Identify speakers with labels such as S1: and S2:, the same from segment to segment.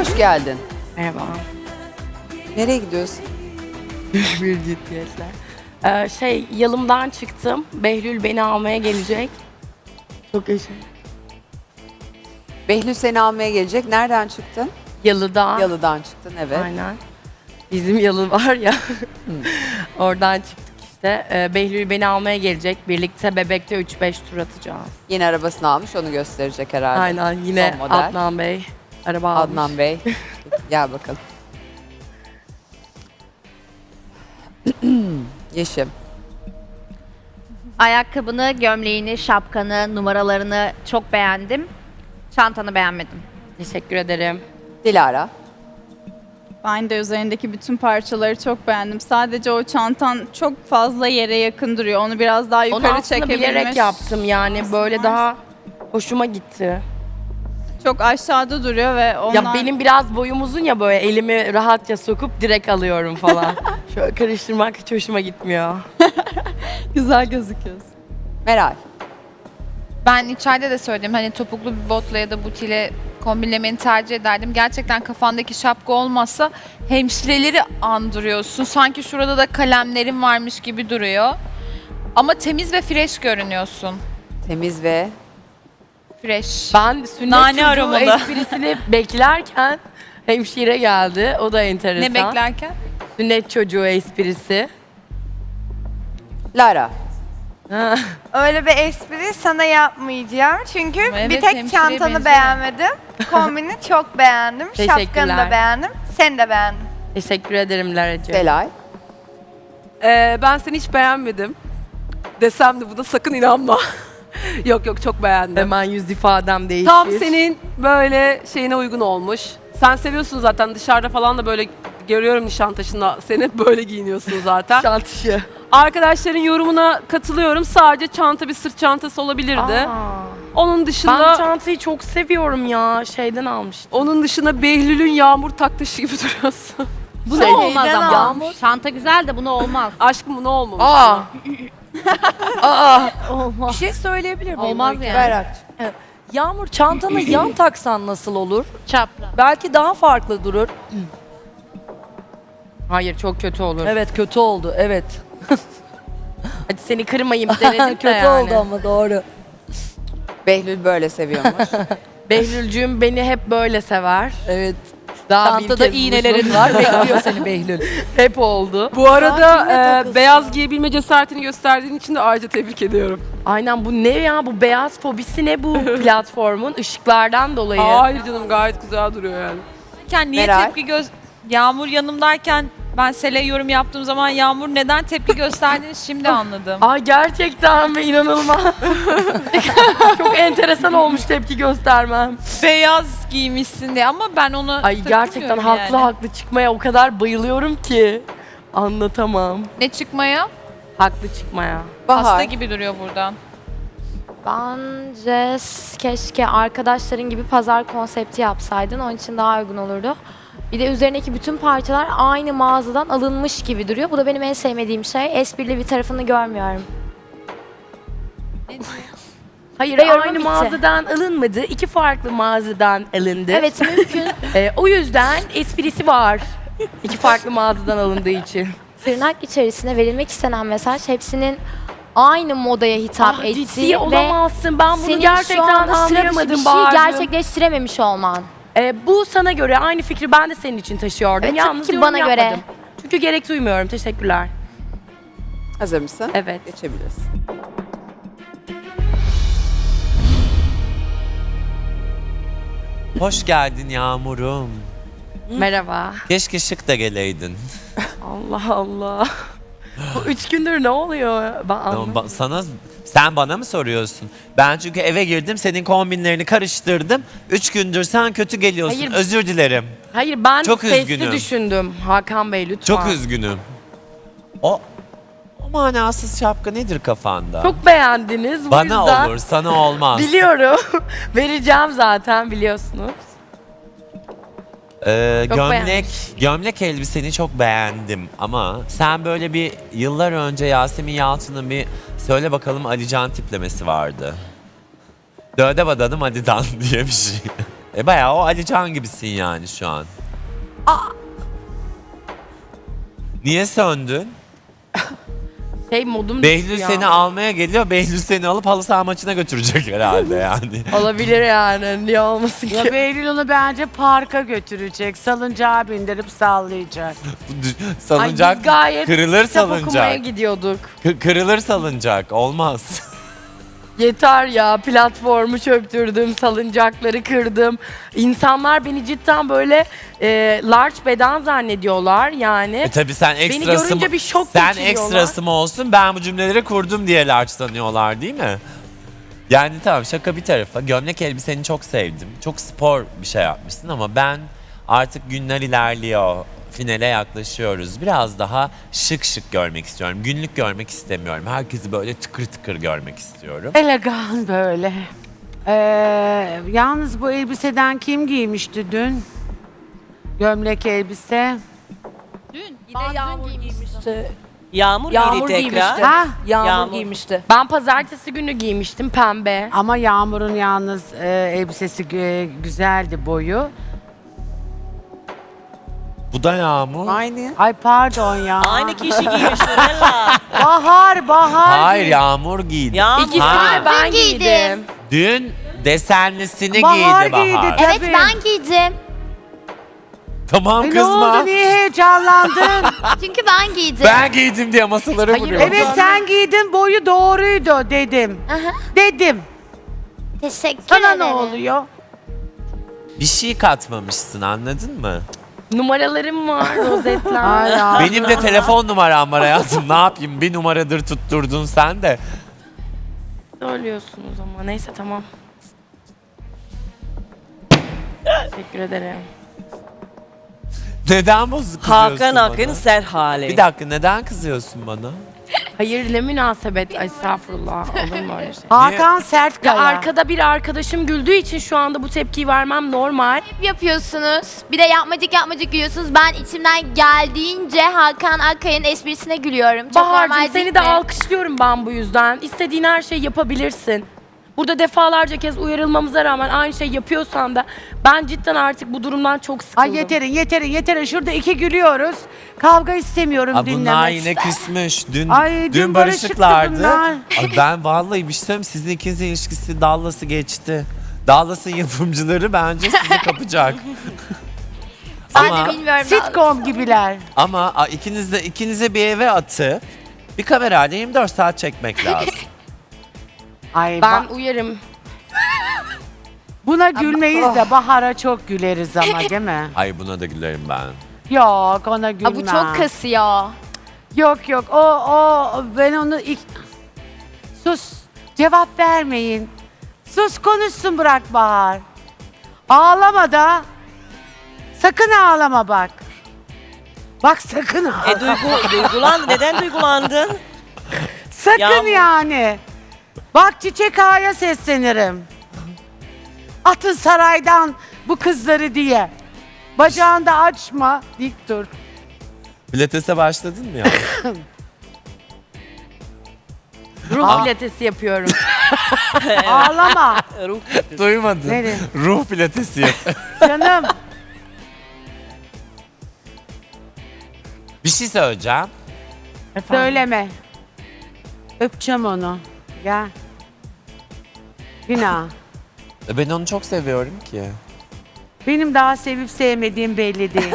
S1: Hoş geldin.
S2: Merhaba.
S1: Nereye gidiyorsun?
S2: Bir ciddiyetler. Yalımdan çıktım. Behlül beni almaya gelecek. Çok yaşa.
S1: Behlül seni almaya gelecek. Nereden çıktın?
S2: Yalıda.
S1: Yalıdan çıktın, evet.
S2: Aynen. Bizim yalı var ya. Oradan çıktık işte. Behlül beni almaya gelecek. Birlikte Bebek'te 3-5 tur atacağız.
S1: Yeni arabasını almış, onu gösterecek herhalde.
S2: Aynen. Yine
S1: Son model.
S2: Adnan Bey araba almış.
S1: Adnan Bey. Gel bakalım. Yeşim.
S3: Ayakkabını, gömleğini, şapkanı, numaralarını çok beğendim. Çantanı beğenmedim.
S2: Teşekkür ederim.
S1: Dilara.
S4: Ben de üzerindeki bütün parçaları çok beğendim. Sadece o çantan çok fazla yere yakın duruyor. Onu biraz daha
S2: Onu
S4: yukarı
S2: aslında
S4: çekebilmiş.
S2: bilerek yaptım yani. Böyle daha hoşuma gitti.
S4: Çok aşağıda duruyor ve ondan...
S2: Ya benim biraz boyum uzun ya, böyle elimi rahatça sokup direkt alıyorum falan. Şöyle karıştırmak hiç hoşuma gitmiyor.
S4: güzel gözüküyorsun.
S1: Meral.
S5: Ben içeride de söyledim, hani topuklu bir botla ya da butiyle kombinlemeni tercih ederdim. Gerçekten kafandaki şapka olmazsa hemşireleri andırıyorsun. Sanki şurada da kalemlerin varmış gibi duruyor. Ama temiz ve fresh görünüyorsun.
S1: Temiz ve
S5: Fresh.
S2: Ben sünnet
S5: Nane
S2: çocuğu
S5: aromalı.
S2: esprisini beklerken hemşire geldi. O da enteresan.
S5: Ne beklerken?
S2: Sünnet çocuğu esprisi.
S1: Lara.
S2: Ha.
S6: Öyle bir espri sana yapmayacağım. Çünkü
S5: Evet,
S6: bir tek
S5: hemşireye
S6: çantanı
S5: benziyor.
S6: beğenmedim. Kombini çok beğendim. Şapkanı
S2: Teşekkürler.
S6: da beğendim. Seni de beğendim.
S2: Teşekkür ederim Laracığım.
S1: Delay.
S7: Ben seni hiç beğenmedim. Desem de buna sakın inanma. Yok yok, çok beğendim.
S2: Hemen yüz ifadem değişir.
S7: Tam senin böyle şeyine uygun olmuş. Sen seviyorsun zaten, dışarıda falan da böyle görüyorum Nişantaşı'nda. Sen hep böyle giyiniyorsun zaten.
S2: Şantışı.
S7: Arkadaşların yorumuna katılıyorum. Sadece çanta bir sırt çantası olabilirdi.
S2: Aa,
S7: Onun
S2: ben
S7: dışında
S2: bu çantayı çok seviyorum ya. Şeyden almıştım.
S7: onun dışında Behlül'ün yağmur taktışı gibi duruyorsun.
S3: Bu ne olmaz ama. Çanta güzel de bunu olmaz.
S7: Aşkım bu ne olmamış?
S2: Aa. Aa.
S8: Bir şey söyleyebilir miyim?
S3: Olmaz
S8: Öykü?
S3: yani.
S1: Berak'cığım.
S8: Yağmur, çantanı yan taksan nasıl olur?
S3: Çapraz.
S8: Belki daha farklı durur.
S2: Hayır, çok kötü olur.
S8: Evet, kötü oldu. Evet.
S2: Hadi seni kırmayayım denedim de
S8: kötü
S2: yani.
S8: oldu ama doğru.
S1: Behlül böyle seviyormuş.
S2: Behlülcüğüm beni hep böyle sever.
S8: Evet.
S2: Daha bir
S8: Çantada
S2: kez
S8: iğnelerin
S2: uzun.
S8: var. Bekliyor seni Behlül.
S2: Hep oldu.
S7: Bu arada
S8: takılsın.
S7: beyaz giyebilme cesaretini gösterdiğin için de ayrıca tebrik ediyorum.
S2: Aynen, bu ne ya, bu beyaz fobisi ne bu platformun ışıklardan dolayı.
S7: Hayır canım, gayet güzel duruyor yani.
S5: Niye
S1: Meral.
S5: tepki Yağmur yanımdayken ben Sel'e yorum yaptığım zaman Yağmur neden tepki gösterdiğini şimdi anladım.
S2: Ay gerçekten mi, inanılmaz. Çok enteresan olmuş tepki göstermem.
S5: Beyaz giymişsin diye ama ben onu
S2: Ay gerçekten
S5: takmıyorum
S2: haklı
S5: yani.
S2: haklı çıkmaya o kadar bayılıyorum ki. Anlatamam.
S5: Ne çıkmaya?
S2: Haklı çıkmaya.
S1: Bahar.
S5: Hasta gibi duruyor buradan.
S9: Bence keşke arkadaşların gibi pazar konsepti yapsaydın. Onun için daha uygun olurdu. Bir de üzerindeki bütün parçalar aynı mağazadan alınmış gibi duruyor. Bu da benim en sevmediğim şey. Esprili bir tarafını görmüyorum.
S2: Hayır,
S9: Ve yorumum
S2: aynı
S9: bitti.
S2: mağazadan alınmadı. İki farklı mağazadan alındı.
S9: Evet, mümkün.
S2: O yüzden esprisi var. İki farklı mağazadan alındığı için.
S9: Tırnak içerisine verilmek istenen mesaj hepsinin aynı modaya hitap
S2: Ah,
S9: ettiği
S2: ciddi
S9: ve
S2: olamazsın. Ben bunu
S9: senin şu
S2: gerçekten
S9: anda sıra dışı bir
S2: anlayamadım
S9: şey
S2: Bahar'cığım.
S9: gerçekleştirememiş olman.
S2: Bu sana göre aynı fikri ben de senin için taşıyordum.
S9: Evet,
S2: Yalnız
S9: tabii ki
S2: yorum
S9: bana göre.
S2: yapmadım. Çünkü gerek duymuyorum. Teşekkürler.
S1: Hazır mısın?
S2: Evet.
S1: Geçebilirsin.
S10: Hoş geldin Yağmur'um.
S2: Merhaba.
S10: Keşke şık da geleydin.
S2: Allah Allah. Bu 3 gündür ne oluyor? Ben anlamadım.
S10: Sen bana mı soruyorsun? Ben çünkü eve girdim, senin kombinlerini karıştırdım. 3 gündür sen kötü geliyorsun.
S2: Hayır.
S10: Özür dilerim.
S2: Hayır, ben
S10: Çok
S2: sesli
S10: üzgünüm.
S2: düşündüm. Hakan Bey lütfen.
S10: Çok üzgünüm. O manasız şapka nedir kafanda?
S2: Çok beğendiniz. Bu
S10: Bana
S2: yüzden
S10: olur, sana olmaz.
S2: biliyorum. Vereceğim zaten, biliyorsunuz. Çok
S10: Gömlek elbiseni çok beğendim ama sen böyle bir yıllar önce Yasemin Yalçın'ın bir söyle bakalım Alican tiplemesi vardı. Döde badanım Adidan diye bir şey. Bayağı o Alican gibisin yani şu an. Niye söndün?
S2: Modum
S10: Behlül
S2: düştü ya.
S10: seni almaya geliyor. Behlül seni alıp halı saha maçına götürecek herhalde yani.
S2: Olabilir yani. Niye olmasın
S11: Ya
S2: ki?
S11: Behlül onu bence parka götürecek. Salıncağa bindirip sallayacak.
S10: Salıncak
S2: Ay biz gayet
S10: kırılır
S2: kitap okumaya
S10: salıncak.
S2: gidiyorduk.
S10: Kırılır salıncak. Olmaz.
S2: Yeter ya, platformu çöktürdüm, salıncakları kırdım. İnsanlar beni cidden böyle large beden zannediyorlar yani.
S10: Tabii sen ekstrası
S2: görünce
S10: mı?
S2: bir şok
S10: Sen
S2: geçiriyorlar.
S10: ekstrası mı olsun? Ben bu cümleleri kurdum diye large sanıyorlar değil mi? Yani tamam, şaka bir tarafa. Gömlek elbiseni çok sevdim. Çok spor bir şey yapmışsın ama ben artık günler ilerliyor. Finale yaklaşıyoruz. Biraz daha şık şık görmek istiyorum. Günlük görmek istemiyorum. Herkesi böyle tıkır tıkır görmek istiyorum.
S11: Elegan böyle. Yalnız bu elbiseden kim giymişti dün? Gömlek elbise.
S8: Yağmur giymişti.
S12: Yağmur,
S8: Yağmur
S12: giydi
S8: giymişti.
S12: tekrar.
S11: Ha?
S8: Yağmur giymişti.
S2: Ben pazartesi günü giymiştim pembe.
S11: Ama Yağmur'un yalnız elbisesi güzeldi boyu.
S10: Bu da Yağmur.
S1: Aynı.
S11: Ay pardon ya.
S12: Aynı kişi giymiş Nurella.
S11: Bahar.
S10: Hayır, Yağmur giydi.
S12: Yağmur.
S2: İkisini
S10: Ha.
S2: de ben
S9: Giydim.
S2: giydim.
S10: Dün desenlisini
S11: Bahar
S10: giydi Bahar.
S11: giydi.
S9: Evet
S11: Tabii.
S9: ben giydim.
S10: Tamam
S11: Ne
S10: kızma.
S11: oldu? Niye heyecanlandın?
S9: Çünkü ben giydim.
S10: Ben giydim diye masaları
S2: Hayır,
S10: vuruyor.
S11: Evet sen giydin, boyu doğruydu dedim.
S9: Aha,
S11: Dedim.
S9: teşekkür
S11: Sana
S9: ederim.
S11: ne oluyor?
S10: Bir şey katmamışsın, anladın mı?
S2: Numaralarım var, rozetler.
S11: Ay ya.
S10: Benim de telefon numaram var hayatım. Ne yapayım? Bir numaradır tutturdun sen de.
S2: Söylüyorsunuz ama neyse tamam. Teşekkür ederim.
S10: Neden bozuk kızıyorsun
S12: Hakan
S10: bana?
S12: Akın Serhali.
S10: Bir dakika, neden kızıyorsun bana?
S2: Hayır ne münasebet. Ay, estağfurullah. Olur mu öyle şey?
S11: Hakan
S2: Ya
S11: Sertkaya.
S2: arkada bir arkadaşım güldüğü için şu anda bu tepkiyi vermem normal.
S9: Yapıyorsunuz. Bir de yapmacık gülüyorsunuz. Ben içimden geldiğince Hakan Akkaya'nın esprisine gülüyorum. Çok normal
S2: Bahar'cığım
S9: değil
S2: seni de
S9: mi?
S2: alkışlıyorum ben bu yüzden. İstediğin her şeyi yapabilirsin. Burada defalarca kez uyarılmamıza rağmen aynı şey yapıyorsan da ben cidden artık bu durumdan çok sıkıldım.
S11: Ay yeterin. Şurada iki gülüyoruz. Kavga istemiyorum
S10: Aa, bunlar
S11: dinlemek.
S10: yine küsmüş. Dün,
S11: Ay, dün
S10: barışıklardı.
S11: barışıktı bunlar.
S10: Ay, ben vallahi bir şey söyleyeyim. Sizin ikinizin ilişkisi Dallas'ı geçti. Dallas'ın yapımcıları bence sizi kapacak.
S9: Ben
S10: ama
S9: de bilmiyorum.
S11: Sitcom gibiler.
S10: ama ikinize bir eve atı. Bir kamerayla 24 saat çekmek lazım.
S11: Ay
S2: Ben uyarım.
S11: buna gülmeyiz de Bahar'a çok güleriz ama değil mi?
S10: Ay, buna da gülerim ben.
S11: Yok ona gülmem.
S9: Aa, bu çok kasıyor.
S11: Yok o ben onu sus cevap vermeyin. Sus konuşsun bırak Bahar. Ağlama da. Sakın ağlama bak. Bak sakın ağlama.
S12: Duygulandı. Neden duygulandın?
S11: Sakın
S12: Yağmur.
S11: yani. Bak Çiçek Ağa'ya seslenirim. Atın saraydan bu kızları diye. Bacağını da açma, dik dur.
S10: Pilates'e başladın mı ya?
S2: Ruh pilatesi yapıyorum.
S11: Ağlama.
S10: Duymadım.
S11: Nereye?
S10: Ruh pilatesi yap.
S11: Canım.
S10: Bir şey söyleyeceğim.
S11: Söyleme. Öpeceğim onu. Gel. Günah.
S10: Ben onu çok seviyorum ki.
S11: Benim daha sevip sevmediğim belli değil.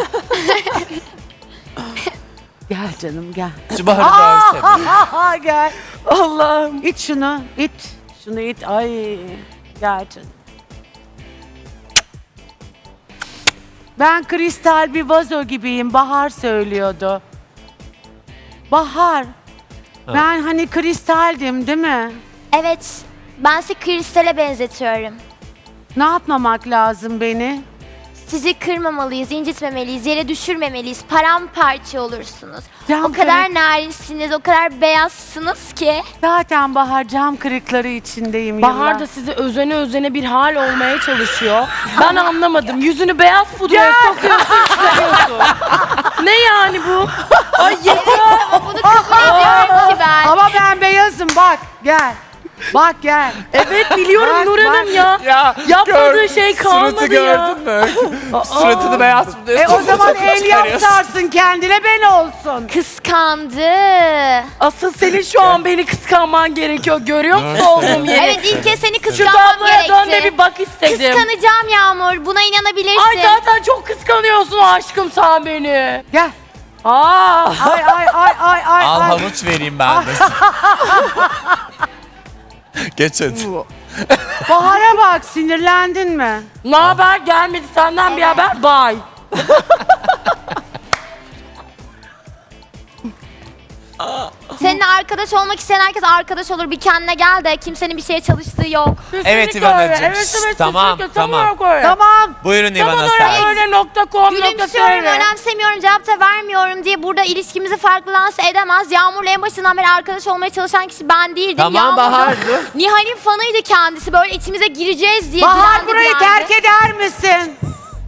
S11: Gel canım gel.
S10: Şu Bahar'ı görsene.
S11: Gel.
S2: Allah'ım.
S11: İt şunu. İt. Şunu it. Ay. Gel canım. Ben kristal bir vazo gibiyim. Bahar söylüyordu. Bahar. Ben hani kristaldim değil mi?
S9: Evet. Ben sizi kristale benzetiyorum.
S11: Ne yapmamak lazım beni?
S9: Sizi kırmamalıyız, incitmemeliyiz, yere düşürmemeliyiz. Paramparça olursunuz.
S11: Cam
S9: O kadar
S11: kırık.
S9: narinsiniz, o kadar beyazsınız ki.
S11: Zaten Bahar cam kırıkları içindeyim.
S2: Bahar
S11: yıllar.
S2: da sizi özene bir hal olmaya çalışıyor. Ben anlamadım. Yüzünü beyaz pudraya sokuyorsun, çıkarıyorsun. Ne yani bu? Ay yeter.
S9: Ama bunu kabul ediyorum ki ben.
S11: Ama ben beyazım bak gel. Bak gel.
S2: Evet biliyorum
S11: Bak,
S2: Nur Hanım ya.
S10: Ya
S2: Yapmadığı şey kalmadı
S10: suratı
S2: ya.
S10: gördün mü? Suratını beyaz mı
S11: O zaman el yapsarsın kendine ben olsun.
S9: Kıskandı.
S2: Asıl senin şu an beni kıskanman gerekiyor. Görüyor musun
S10: Nurse.
S2: olduğum yeri?
S9: Evet ilk kez seni
S2: Şu
S9: kıskanmam
S2: tabloya dön de
S9: gerekti.
S2: bir bak istedim.
S9: Kıskanacağım Yağmur. Buna inanabilirsin.
S2: Ay zaten çok kıskanıyorsun aşkım sen beni.
S11: Gel.
S2: Aa.
S11: Ay ay ay ay ay.
S10: Al
S11: ay.
S10: havuç vereyim ben de. Geç hadi.
S11: Bahar'a bak sinirlendin mi?
S2: Ne haber? Gelmedi senden bir haber. Bye.
S9: Seninle arkadaş olmak isteyen herkes arkadaş olur. Bir kendine gel de kimsenin bir şeye çalıştığı yok.
S10: Evet
S2: Kesinlikle
S10: İvanacığım.
S2: öyle. Evet,
S10: Şşt,
S2: evet,
S10: tamam,
S2: kesinlikle. Tam
S10: tamam.
S2: olarak öyle.
S11: Tamam.
S10: Buyurun
S2: Tam
S10: İvana
S2: olarak
S10: sen.
S2: öyle .com
S9: Gülümsüyorum,
S2: .tr.
S9: önemsemiyorum, cevap da vermiyorum diye burada ilişkimizi farklı lanse edemez. Yağmur'la en başından beri arkadaş olmaya çalışan kişi ben değildim.
S10: Tamam
S9: Yağmur da
S10: Bahar dur.
S9: Nihal'in fanıydı kendisi. Böyle içimize gireceğiz diye
S11: Bahar
S9: direndi,
S11: burayı
S9: direndi.
S11: terk eder misin?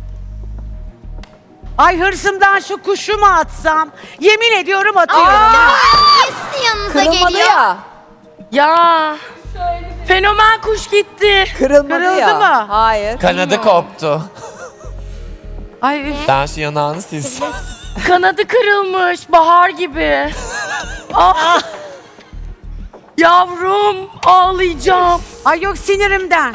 S11: Ay hırsımdan şu kuşu mu atsam? Yemin ediyorum atıyorum.
S9: Niye sizin yanınıza
S1: Kırılmadı
S9: geliyor?
S1: ya.
S2: Ya. Fenomen kuş gitti.
S1: Kırılmadı
S11: Kırıldı
S1: ya.
S11: mı?
S1: Hayır.
S10: Kanadı koptu.
S11: Ay üf.
S10: Ben şu yanağını silsem.
S2: Kanadı kırılmış bahar gibi. Ah. Yavrum ağlayacağım.
S11: Ay yok sinirimden.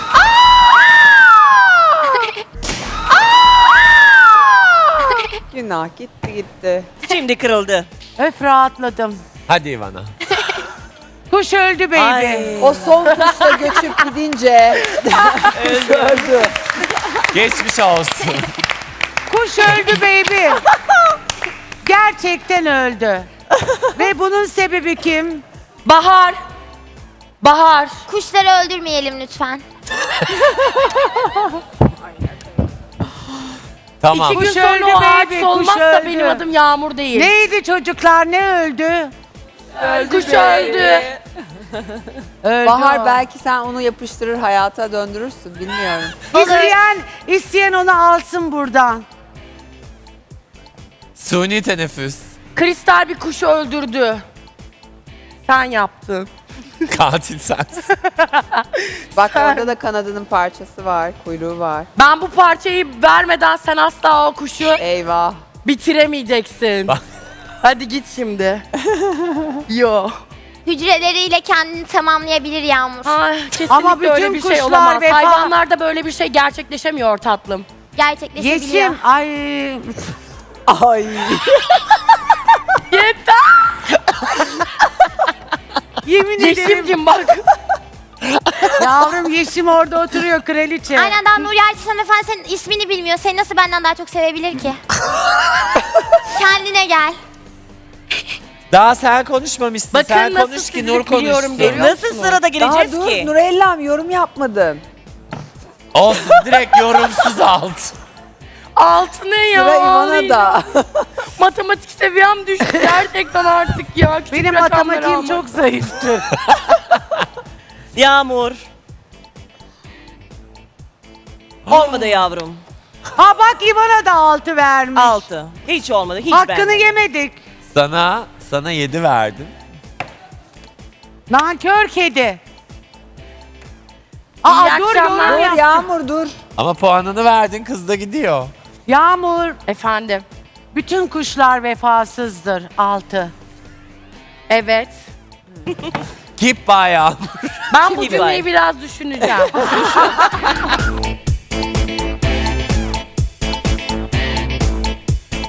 S1: Günah gitti gitti.
S12: Şimdi kırıldı.
S11: Öf rahatladım.
S10: Hadi İvana.
S11: Kuş öldü baby.
S12: Ay.
S1: O son kuşla göçüp gidince öldü.
S10: Geçmiş olsun.
S11: Kuş öldü baby. Gerçekten öldü. Ve bunun sebebi kim?
S2: Bahar. Bahar.
S9: Kuşları öldürmeyelim lütfen.
S10: Tamam.
S2: 2 gün
S11: Kuş
S2: sonra
S11: öldü
S2: o
S11: baby,
S2: hadise
S11: kuş
S2: olmazsa
S11: öldü.
S2: benim adım Yağmur değil.
S11: Neydi çocuklar ne öldü?
S2: Kuş öldü.
S11: Öldü
S1: Bahar
S11: o.
S1: belki sen onu yapıştırır hayata döndürürsün bilmiyorum.
S11: İsteyen onu alsın buradan.
S10: Suni teneffüs.
S2: Kristal bir kuşu öldürdü. Sen yaptın.
S10: Katil sensin.
S1: Bak orada da kanadının parçası var, kuyruğu var.
S2: Ben bu parçayı vermeden sen asla o kuşu
S1: Eyvah.
S2: bitiremeyeceksin.
S10: Bak.
S2: Hadi git şimdi. Yo.
S9: Hücreleriyle kendini tamamlayabilir Yağmur.
S2: Ay, kesinlikle
S11: Ama bütün
S2: öyle bir şey
S11: kuşlar
S2: olamaz.
S11: vefa-
S2: Hayvanlarda böyle bir şey gerçekleşemiyor tatlım.
S9: Gerçekleşebiliyor.
S11: Yeşim ay
S1: Ay.
S2: Yeter.
S11: yemin ederim
S2: Yeşimcim bak.
S11: yavrum Yeşim orada oturuyor kraliçe.
S9: Aynen daha Nuri Alçı hanımefendi senin ismini bilmiyor. Seni nasıl benden daha çok sevebilir ki? Kendine gel.
S10: Daha sen konuşmamışsın.
S2: Bakın
S10: sen
S2: nasıl
S10: konuş ki
S2: sizi
S10: Nur
S2: biliyorum,
S10: konuşsun.
S2: görüyor
S12: Nasıl
S2: musunuz?
S12: sırada
S1: Daha
S12: geleceğiz
S1: dur
S12: ki?
S1: Nurellam yorum yapmadın.
S10: Olsun direkt yorumsuz alt.
S2: Altı ne ya?
S1: Sıra İvana'da.
S2: Matematik seviyem düştü gerçekten artık ya. Küçük
S11: Benim
S2: rakamları
S11: matematiğim
S2: almak.
S11: çok zayıftır.
S12: Yağmur. Olmadı yavrum.
S11: Ha bak İvan'a da 6 vermiş.
S12: 6. Hiç olmadı. Hiç
S11: Hakkını
S12: beğenmedim.
S11: yemedik.
S10: Sana 7 verdim.
S11: Nankör kedi.
S2: İyi
S11: dur
S2: akşamlar.
S11: yorum
S1: Dur
S11: yap.
S1: Yağmur dur.
S10: Ama puanını verdin kız da gidiyor.
S11: Yağmur
S2: Efendim.
S11: bütün kuşlar vefasızdır 6.
S2: Evet.
S10: Keep bayağı.
S2: Ben bu
S12: Gibi
S2: cümleyi
S12: var.
S2: biraz düşüneceğim.